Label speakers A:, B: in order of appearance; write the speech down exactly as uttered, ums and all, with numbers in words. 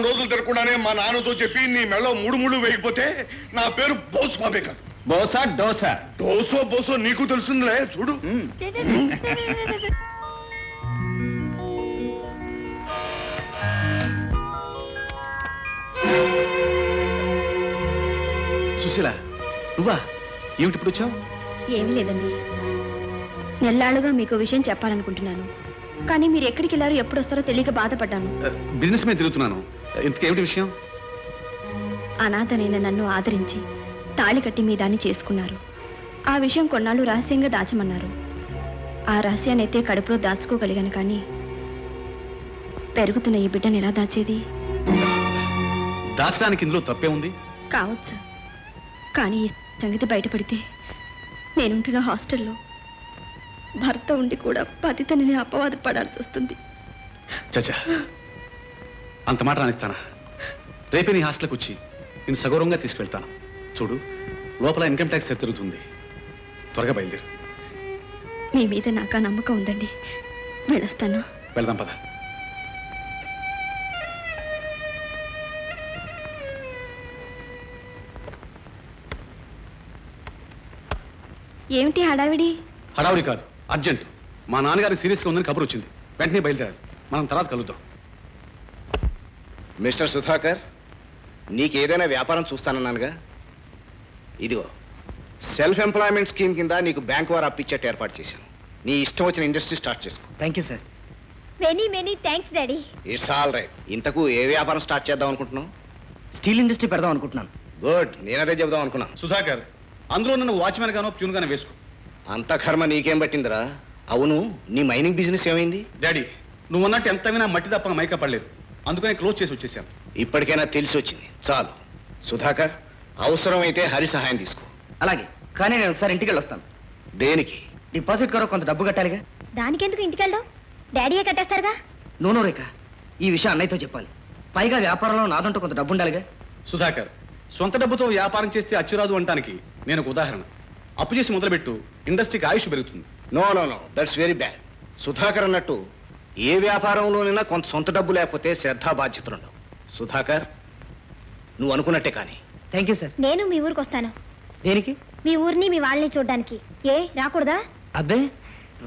A: వారం రోజులు తిరగకుండానే మా నాన్నతో చెప్పి నీ మెళ్ళో మూడు మూడు వేయకపోతే నా పేరు బోస్ బాబే కాదు.
B: బోసా డోసా?
A: డోసో బోసో నీకు తెలుస్తుందిలే, చూడు.
B: సుశీల, నువ్వా? ఏమిటి ఇప్పుడు వచ్చావు?
C: ఏమీ లేదండి, నెల్లాళ్ళుగా మీకు విషయం చెప్పాలనుకుంటున్నాను, కానీ మీరు ఎక్కడికి వెళ్ళారో ఎప్పుడు వస్తారో తెలియక బాధపడ్డాను.
B: బిజినెస్ మీద తిరుగుతున్నాను. ఇంతకేమిటి విషయం?
C: అనాథనైన నన్ను ఆదరించి తాళి కట్టి మీ దాన్ని చేసుకున్నారు. ఆ విషయం కొన్నాళ్ళు రహస్యంగా దాచమన్నారు. ఆ రహస్యాన్ని అయితే కడుపులో దాచుకోగలిగాను, కానీ పెరుగుతున్న ఈ బిడ్డను ఎలా దాచేది?
B: దాచడానికి ఇందులో తప్పే ఉంది?
C: కావచ్చు, కానీ ఈ సంగతి బయటపడితే నేనుంటున్న హాస్టల్లో భర్త ఉండి కూడా పతితని అపవాదు పడాల్సి వస్తుంది.
B: చచ్చా, అంత మాట రానిస్తానా? రేపే నీ హాస్టల్కి వచ్చి నేను సగౌరవంగా తీసుకెళ్తాను. చూడు, లోపల ఇన్కమ్ ట్యాక్స్ తిరుగుతుంది. త్వరగా బయలుదేరు.
C: మీ మీద నాకు ఆ నమ్మకం ఉందండి, వెళ్ళొస్తాను.
B: వెళ్దాం పద.
C: ఏమిటి హడావిడి?
B: హడావుడి కాదు, అర్జెంట్. మా నాన్నగారి సీరియస్గా ఉందని కబురు వచ్చింది. వెంటనే బయలుదేరాలి. మనం తర్వాత కలుద్దాం.
D: మిస్టర్ సుధాకర్, నీకేదైనా వ్యాపారం చూస్తానన్నానుగా. ఇదిగో సెల్ఫ్ ఎంప్లాయ్మెంట్ స్కీమ్ కింద నీకు బ్యాంక్ వారు అప్పిచ్చేట్టు ఏర్పాటు చేశాను. నీ ఇష్టం వచ్చిన ఇండస్ట్రీ స్టార్ట్ చేసుకో.
E: Thank you sir.
C: Many many thanks daddy.
D: It's all right. ఇంతకు ఏ వ్యాపారం స్టార్ట్ చేద్దాం అనుకుంటున్నావు?
E: స్టీల్ ఇండస్ట్రీ పెడదాం అనుకుంటున్నాను.
D: గుడ్, నేనదే చెబుదాం అనుకున్నాను.
B: సుధాకర్, అందులో నన్ను వాచ్మెన్ గానో ప్యూన్ గానో వేసుకో.
D: అంత కర్మ నీకేం పట్టిందిరా? అవును, నీ మైనింగ్ బిజినెస్ ఏమైంది?
B: డాడీ, నువ్వు అన్నట్టు ఎంత వినా మట్టి తప్ప మైకా పడలేదు. అందుకని క్లోజ్ చేసి వచ్చేసాను.
D: ఇప్పటికైనా తెలిసి వచ్చింది, చాలు. సుధాకర్, అవసరమైతే హరి సహాయం తీసుకో.
E: అలాగే, కానీ నేను ఒకసారి ఇంటికి వెళ్ళొస్తాను.
D: దేనికి?
E: డిపాజిట్ కొరకు కొంత డబ్బు కట్టాలిగా.
C: దానికెందుకు ఇంటికి వెళ్ళావు? డాడీయే కట్టేస్తారుగా.
E: నూనె రేఖ, ఈ విషయం అన్నయ్యతో చెప్పాలి. పైగా వ్యాపారంలో నాదంటూ కొంత డబ్బు ఉండాలిగా.
B: సుధాకర్, సొంత డబ్బుతో వ్యాపారం చేస్తే అచ్చురాదు అంటానికి నేను ఒక ఉదాహరణ. అప్పు చేసి మొదలుపెట్టు, ఇండస్ట్రీకి ఆయుష్ పెరుగుతుంది.
D: No no no that's very bad. Sudhakar అన్నట్టు ఏ వ్యాపారంలోనైనా కొంత సొంత డబ్బు లేకపోతే శ్రద్ధా బాధ్యతలు ఉండవు. సుధాకర్, నువ్వు అనుకున్నట్టే కానీ.
E: Thank you sir.
C: నేను మీ ఊరికి వస్తాను.
E: దేనికి?
C: మీ ఊరిని మీ వాళ్ళని చూడడానికి. ఏ రాకూడదా?
E: అబ్బే,